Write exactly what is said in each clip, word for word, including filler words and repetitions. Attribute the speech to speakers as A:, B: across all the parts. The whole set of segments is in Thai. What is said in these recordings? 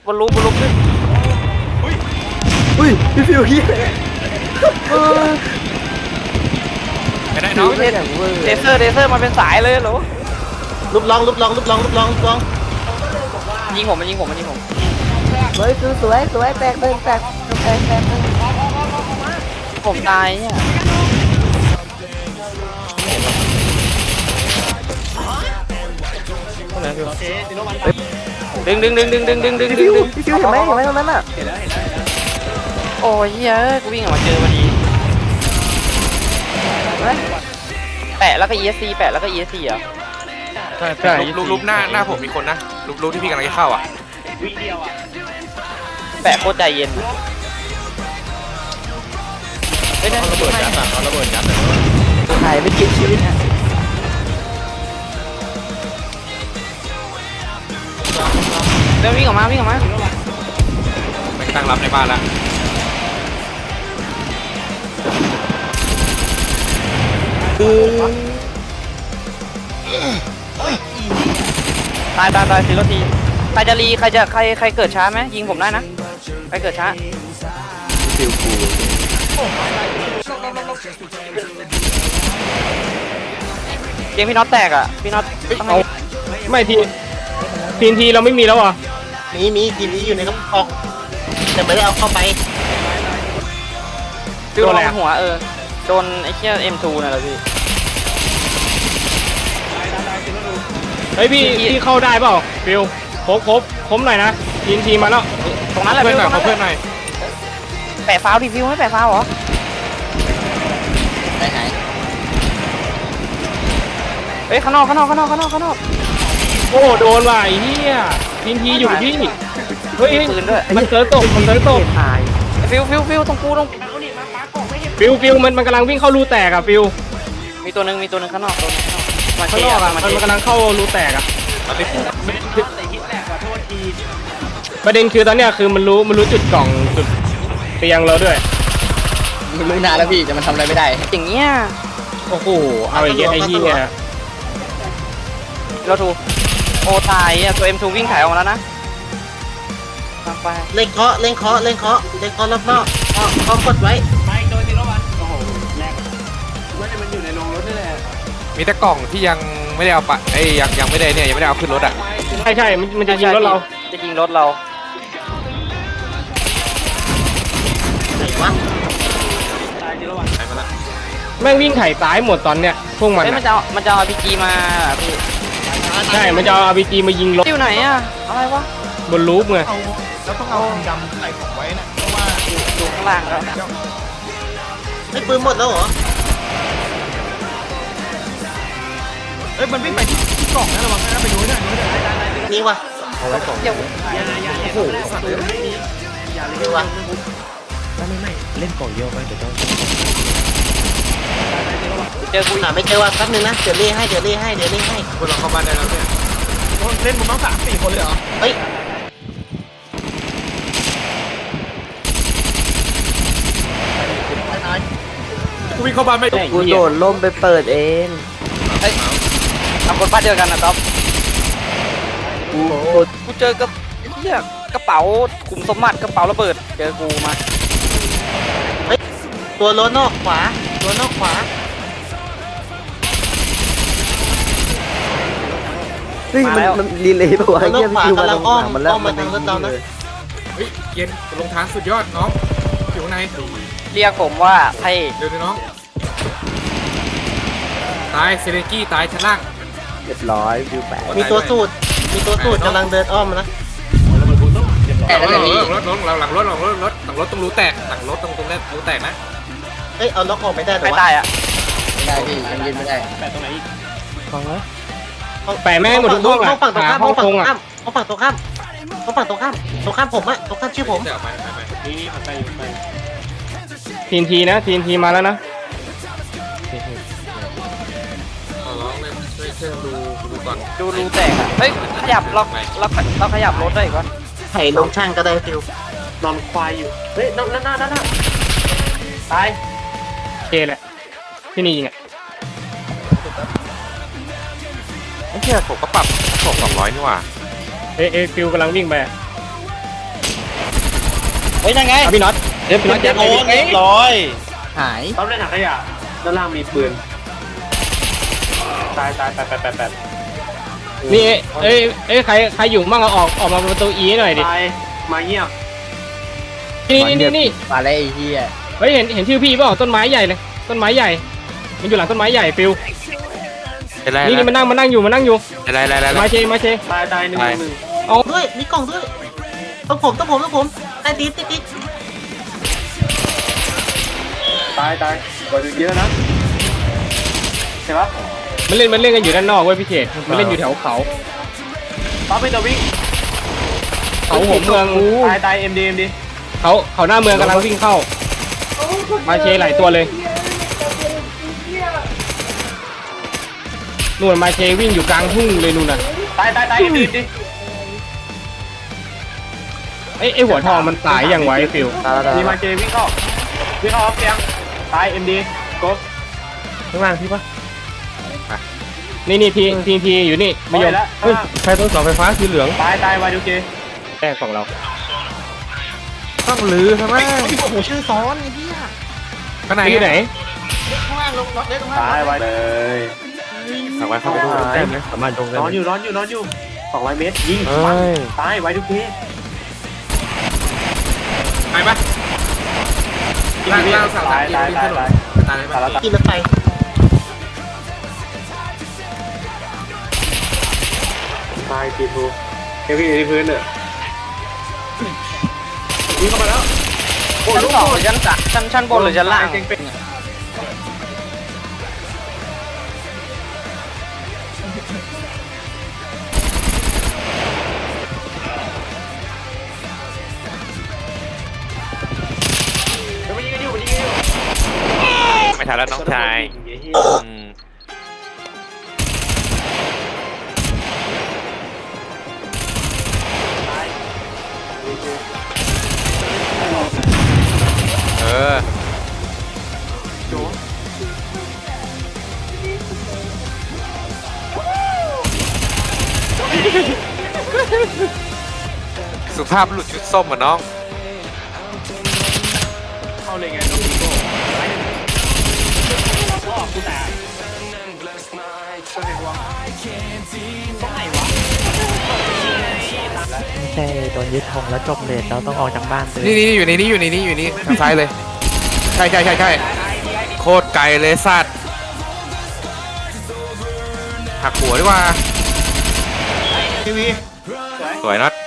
A: บนรูบนรูขึ้น
B: อุ้ยพี่ฟิวเฮีย
C: ไม่ได้น้อง
A: เลเซอร์เลเซอร์มาเป็นสายเลยเหรอ
B: ลุบลองลุบลองลุบลองลุบลองลุบลอง
A: ยิงผมมันยิงผมมันยิงผม
D: สวยคือสวยสวยแตกหนึ่งแตกแตกแตกหนึ่ง
A: ผมตายเนี่ยดึงดึงดึงดึงดึงดึงดึง
D: พี่
A: ดึ
D: ฟิ
A: ง
D: ว
A: ดึง
D: พี่ฟิวเห็นไหมเห็นไหมตรงนั้นอ่ะ
A: โอ้ยเฮ้ยกูวิ่งออกมาเจอพอดีแปะแล้วก็ อี เอส ซี แปะแล้วก็ อี เอส ซี อ่ะ
C: ใช่ใช่รูปรูปหน้าหน้าผมมีคนนะรูปรูปที่พี่กำลังจะเข้าอ่ะ
A: แปะโคตรใจเย็นเฮ้ยนะ
C: ระเบิดยัดอ่ะระเบิดยัดเลย
D: หายไปกินชีวิต
A: เดี๋ยววิ่งออกมาวิ่งออกมา
C: ไม่ตั้งรับในบ้านละ
A: ตายตายตายสิรทีใครจะรีใครจะใครใครเกิดช้าไหมยิงผมได้นะใครเกิดช้า
B: ฟิวกู
A: เกมพี่น็อตแตกอ่ะพี่น็อตต้องให้
E: ไม่ทีทีนทีเราไม่มีแล้วอ่ะ
B: มีมีทีนี้อยู่ในกระป๋องแต่ไม่ได้เอาเข้าไป
A: ฟิวโดนหัวเออโดนไอ้เชี่ย เอ็ม ทู น่ะเหรอพี่
E: เฮ้ยพี่พี่เข้าได้เปล่าฟิวครบครบครบหน่อยนะทีนทีมาแล้ว
A: ตรงนั้นแหละ
C: เพื่อนหน่อย
A: ฟิว
C: เพื่อนหน่อย
A: แปะฟาวดิฟิวไม่แปะฟาวเหรอเฮ้ยข้างนอกข้างนอกข้างนอกข้างนอกข้างนอก
E: โอ้โดนว่ะไอ้เหี้ยทีนทีอยู่ที่เฮ้ย
A: ปืนด้วย
E: มันเซิร์ฟตกมันเซิร์ฟตก
D: ตาย
A: ฟิวฟิวฟิวตรงกูตรง
E: ฟิวฟิวมันมันกำลังวิ่งเข้ารูแตกอ่ะฟิว
A: มีตัวหนึ่งมีตัวหนึ่งข้างนอกตัวหนึ่งมา
E: ข้า
A: เชี
E: ง
A: ย
E: นอก
A: ร์
E: อ่ะ
A: มา
E: มัน
A: เชีย
E: มัน
A: ร์
E: กำลังเข้ารูแตกอ่ะ
C: ตอนนี้
E: ประเด็นคือตอนเนี้ยคือมันรู้มันรู้จุดกล่องจุดเตียงเราด้วย
F: รู้นานแล้วพี่แต่มันทำอะไรไม่ได้
A: อย่างเงี้ย
E: โอ้โหเอาไอ้เหี้ยไอ้เหี้ย
A: เราถูกโอตายอ่ะตัว เอ็ม ทู วิ่งถ่ายออกมาแล้วนะตามไป
B: เล่นเคาะเล่นเคาะเล่นเคาะเล่นเคาะรอบนอกเคาะเคาะกดไว้
C: มีแต่กล่องที่ยังไม่ได้เอาปะไอ้ยังยังไม่ได้เนี่ยยังไม่ได้เอาขึ้นรถอ่ะ
E: ใช่ใช่มันมันจะยิงรถเรา
A: จะยิงรถเรา
B: ไหนวะ
C: ใช่ไหมล่ะ
E: แม่งวิ่งไถ่ซ้ายหมดตอนเนี้ยพวกมัน
A: เฮ้ยมัน
E: อะ
A: จะเอามันจะเอา อาร์ พี จี มาพี่
E: ใช่มันจะเอาอาร์พีจีมายิงรถ
A: อยู่ไหนอ่ะอะไรวะ
E: บนรูปไง
A: อยู่ข้างล่างแล้ว
B: ไอ้ปืนหมดแล้วเหรอ
F: เฮ้ยมันวิ่งไปที่กล่องนะระวังนะไปดูหน่อยดูหน่อย
B: นี่วะ
A: เดี๋ยว
B: นี่วะ
A: เจอกูอีก
B: หาไม่เจอว่ะแป๊บนึงนะเดี๋ยวเล่ให้เดี๋ยวเล่ให้เดี๋ยวเล่ให้
C: พวกเราเข้าบ้านได้แล้วเนี่ย
F: เล่นผมต้องสามสี่คนเลยเหรอ
B: เฮ้ย
C: กูวิ่งเข้าบ้านไม่ได้
D: กูโดดล่มไปเปิดเอง
A: เฮ้ยทำคนบ้านเดียวกันนะต๊อบ
D: กู
A: กูเจอกับเหี้ยกระเป๋าขุมสมบัติกระเป๋าระเบิดเจอกูมา
B: ตัวล้นอกขวาตัวนอกขวา
D: เฮ้ยมันมันรีเลยป่ะวะ
B: ตัวนอ
D: เฮีย
B: กขวา
D: พี่ฟิวมาก
B: ำลั
D: ต
B: ง
D: รง
B: อ้อม
D: หลังมันแล้ว
B: อ้อมมาทางรถเรานะ
C: เฮ้ยเย็นลงทางสุดยอดน้องอยู่ข้างใน
A: เรียกผมว่าไอ้
C: เดี๋ยวน้องตายเซเลนกี้ตายชั้นล่าง
D: เรียบร้อยฟิวแปด
B: มีตัวสูตรมีตัวสูตรกำลังเดินอ้อมมานะ
F: แต่แล้ว
C: ห
F: แต่
C: ลัง
F: พี่
C: รถรถหลังรถหลังรถหลังรถหลังรถต้องรู้แตกหลังรถตรงตรงนี้รู้แตกนะ
B: เฮ้ยเอาล็อกออกไม่ได้แต่
A: ไม่
B: ว่า
A: ตายอ่ะ
F: ไม่ได้พี่ยังยืนไม่ได้
E: แปะแม่งหมดทุกห้อง
B: ห้องฝั่งตรง
E: อ่ะ
B: ข้าม
E: ห้
B: ห้
E: อ
B: อง งฝั่ง
E: ค
B: ตรง ง
E: อ่ะ
B: ข้ามห้องฝั่งตรงข้ามห้องฝั่งตรงข้ามตรงข้ามผมอะตรงข้ามชื่อผม
C: เดี๋ยวไปไปไป
E: ทีนทีนะทีนทีมาแล้วนะ
C: ขอร้องเลยช่วยช่วยดูดูก่อน
A: ดูรูแตกอ่ะเฮ้ยขยับเราเราเราขยับรถได้อีกวะ
B: ไถ่ลงช่างก็ได้ฟิวน
F: อนควายอยู่เฮ้ยนั่นนั่นนั่นนั่นตาย
E: โอเคแหละที่นี่ยิงอ่ะ
C: ไอ้เหี้ยผมก็ปรับผมสองร้อยนี่หว่า
E: เอเอฟิวกำลังวิ่งไป
A: เฮ้ยยังไง
E: เอาพี่น็อตเดี๋ยวพี่น็อตยัด
A: โอ้
E: เลย
A: เรียบร้อยหาย
F: ปั๊มในถังขยะด้านล่างมีปืนตายตายแปดแปดแปดแปด
E: นี่เอ้ยเอ้ยใครใครอยู่มั่งเอาออกออกมาประตูอีหน่อยดิ
F: ตายมาเงียบ
E: นี่นี่นี่นี่
A: มาแล้วไอ้เหี้ย
E: เฮ้ยเห็นเห็นชื่อพี่เปล่าต้นไม้ใหญ่เลยต้นไม้ใหญ่มันอยู่หลังต้นไม้ใหญ่ฟิว
C: อะไร
E: นี่นี่มันนั่งมันนั่งอยู่มันนั่งอยู่
C: อะไรอะไรอะไร
E: มาเชมาเช
F: ตายตายหนึ่งหนึ่ง
E: เอา
B: ด้วยมีกล่องด้วยต้องผมต้องผมต้องผมไอ้ติ๊ดติ๊ดติ๊ด
F: ตายตายกว่าจะเยอะนะเห็นปะ
E: มันเล่นมันเล่นกันอยู่ด้านนอกเว้ยพี่เขตมันเล่นอยู่แถวเขา
F: ปั๊มเป็นตัววิ่ง
E: เขาหัวเมือง
F: ตายตายเอ็มดีเอ็มดี
E: เขาเขาหน้าเมืองกำลังวิ่งเข้ามาเชหลายตัวเลยนู่นมาเชวิ่งอยู่กลางทุ่งเลยนู่นน่ะ
F: ตายตายตายเอ็มดีดิ
E: ไอ้ไอ้หัวทองมันตายยังไวะไอ้ฟิว
F: มีมาเจวิ่งเข้าวิ่งเข้าออฟเตียงตายเอ็มดีกบ
B: ข้างล่างพี่ปะ
E: นี่นี่ทีทีทีอยู่นี่ไม่ยอม
F: แล้ว
B: เฮ้ยใครต้นเสาไฟฟ้าสีเหลือง
F: ตายตายวายดูเจ
E: แรกของเรา
B: ต้องลือใช่ไหม
D: โอ้โหชื่อซ้อนไอ้เหี้ย
C: ข้างใน
E: ที่ไหน
D: ข้างล่างลงล็อกเล็กตรง
F: ตายวายเลย
C: สั่งไว้เข้าไปดู
B: แต้มเลยสามารถลงได้
F: นอนอยู่นอนอยู่นอนอยู่สองร้อยเมตรยิง
B: เอ้ย
F: ตายวายดูเจ
C: ไปปะล่างล่างสั่ง
F: ตายตายตายตาย
C: ตายเลย
F: ตายแล้ว
B: กินรถไฟ
F: ตายตีทูเฮ้ยพี่ที่พื้นเนี่ยวิ่งเข้ามาแล้ว
A: ชั้นสองหรือชั้นสามชั้นชั้นบนหรือชั้นล่าง
F: เก่งเป็นมันยิงกันอยู่มันยิงกันอยู่
C: ไม่ทันแล้วน้องชายอืมเออสุภาพหลุดชุดส้มอ่ะน้อง
F: เข้าเลยไงน้องปีโก้พ่อกูตายตัวเด็กวะตรงไหนวะ
D: ไม่ใช่โดนยึดธงแล้วจบเลนเราต้องออกจากบ้านเลย
C: นี่นี่อยู่ในนี้อยู่ในนี้อยู่นี่ทางซ้ายเลย ใช่ใช่ใช่ใช่โคตรไกลเลยสัตว์หักหัวดีกว่า
F: ทีวี
C: สวยน็อต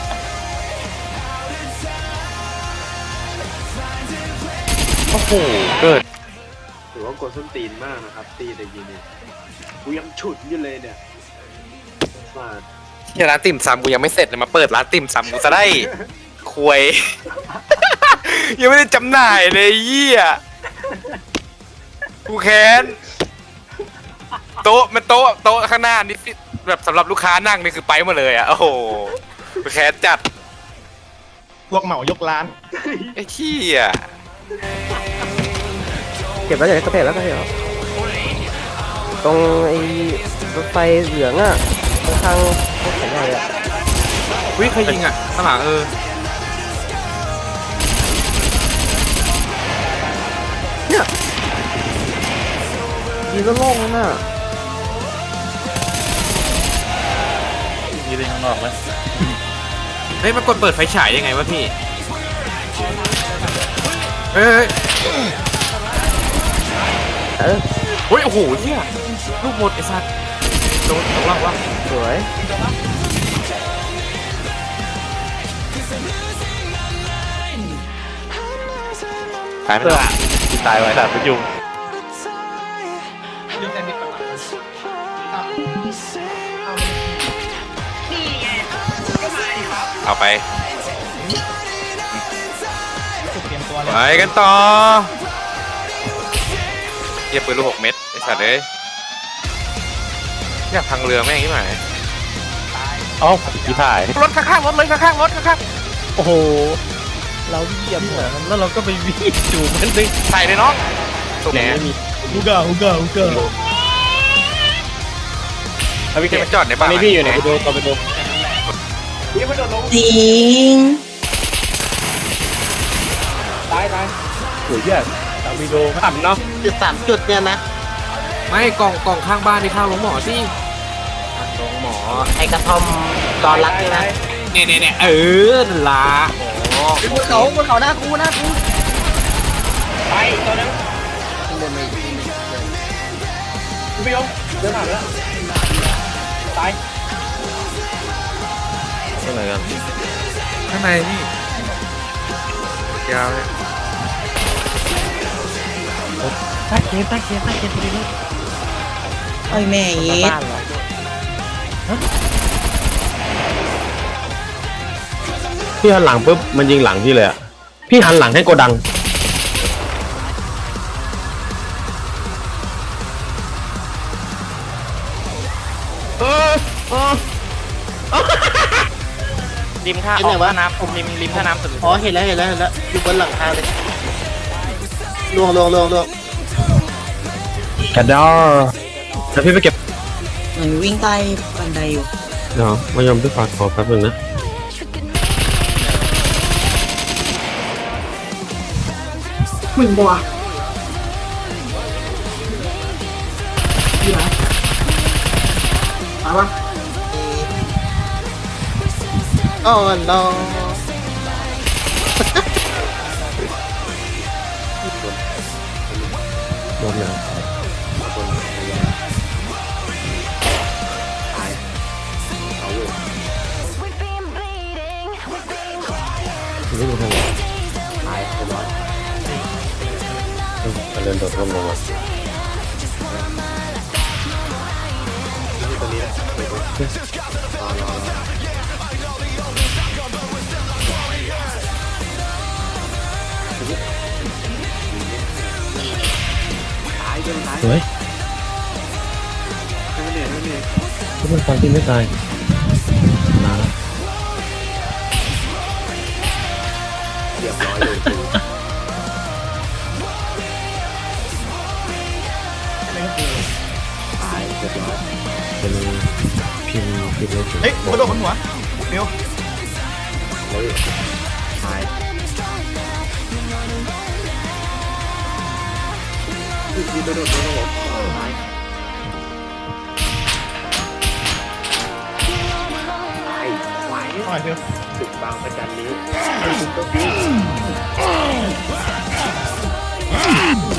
C: โอ้โหเกิด
F: ถือว่ากดส้นตีนมากนะครับตีแต่ยิงเนี่ยกูยังฉุดอยู่เลยเนี่ยมา
C: ที่ร้านติ่มซำกูยังไม่เสร็จเลยมาเปิดร้านติ่มซำกูจะได้ควย ยังไม่ได้จำหน่ายเลยเยี่ยกูแค้นโต๊ะมันโต๊ะโต๊ะข้างหน้านี่แบบสำหรับลูกค้านั่งนี่คือไปหมดเลยอ่ะโอ้โหกูแค้นจัด
B: พวกเหมายกร้าน
C: ไอ้เหี้ย
D: เก็บแล้วเดี๋ยวก็เก็บแล้วก็เก็บแล้วตรงไอ้รถไฟเหลืองอ่ะข้างๆพวกแขนใหญ่อ่ะ
C: วิใครยิงอ่ะข้างหลังเออ
D: ยีก็โล่งแล้วน่ะ
A: ยืนข้างนอกไหม
C: เฮ้ยมันกดเปิดไฟฉายยังไงวะพี่เฮ้ย
D: เออ
C: เฮ้ยโอ้โหเหี้ยลูกหมดไอ้สัตว์โดนตกล่างวะ
D: สวย
C: ตายไปแล้วตายไว้สัตว์เป็นยุงเอาไปไปกันต่อเยียบปืนลูกหกเม็ดไอ้สัตว์เอ้ยอยากพังเรือแม่งที่ไหน
A: อ๋อพี่ถ่าย
C: รถข้างๆรถเลยข้างๆรถข้าง
D: โอ้โหเราเหยียบหัวมันแล้วเราก็ไปวิ่งจูบมัน
C: ๆใส่เลยน้องสุดแหน
F: ฮูก้าฮูก้าฮูก้า
E: เอาพี่เข
C: เก็บ
E: ต
C: มาจอดใน
E: ตอ
C: บ้าน น
E: นี้พี่อยู่ไหนไปดูต่อไปดู
F: นี่มันโดนลง
G: จริง
E: หรือเนี่ยตามีโดต่ำเนาะ
B: จุดสามจุดเนี่ยนะ
G: ไม่กล่องกล่องข้างบ้านที่ข้างโรงหมอสิ
B: ลงหมอไอ้กระท่อมตอนรักนี่นะ
G: เนี่ยเนี่ยเนี่ยเออนั่นละ
B: บนเขาบนเขาหน้ากูหน้ากู
E: ไปตัวนึงพี่ยงเดินผ่านไปแล้วตาย
C: ข้างในกันข้างในนี่ยาวเลย
B: ใต้เกมใต้เกมใต้เกมตัวนี้ไอ้แม่ยี
E: พี่หันหลังปุ๊บมันยิงหลังพี่เลยอ่ะพี่หันหลังให้โกดัง
A: ริมท่าออกท่าน้ำริมริมท่าน้ำสุด
B: อ๋อเห็นแล้วเห็นแล้วเห็นแล้วอยู่บนหลังคาเลยลวงลวงลวงลวง
E: กระดอแล้วพี่ไปเก็บ
B: เหมือนวิ่งใต้บันไดอยู่
E: เดี๋ยวมายอมพี่ฝากขอแป๊บนึงนะ
B: มึงบัวอยู่ไหนตายวะอ๋อ no
E: โดนแล้วนี่มันทำไงตายไปร้อยเดินโดดร่มลงมา
F: ตัวนี้นะไปดูรอรอรอ
E: สวย
F: ให้มันเหนื่อยให้มันเหนื่อย
E: ทุกคนฟังที่ไม่ตายมาแล้ว
F: เรียบร้อยเลยกูตายเรียบร้อย
E: เป็นพิมพ์พิมพ์เลย
B: เฮ้ยกระโดดบนหัวมิว
F: เฮ้ยตายยืนไปโดนโดนโดนตายตายไหว
B: หน่อยมิว
F: ศึกบางประจันนี้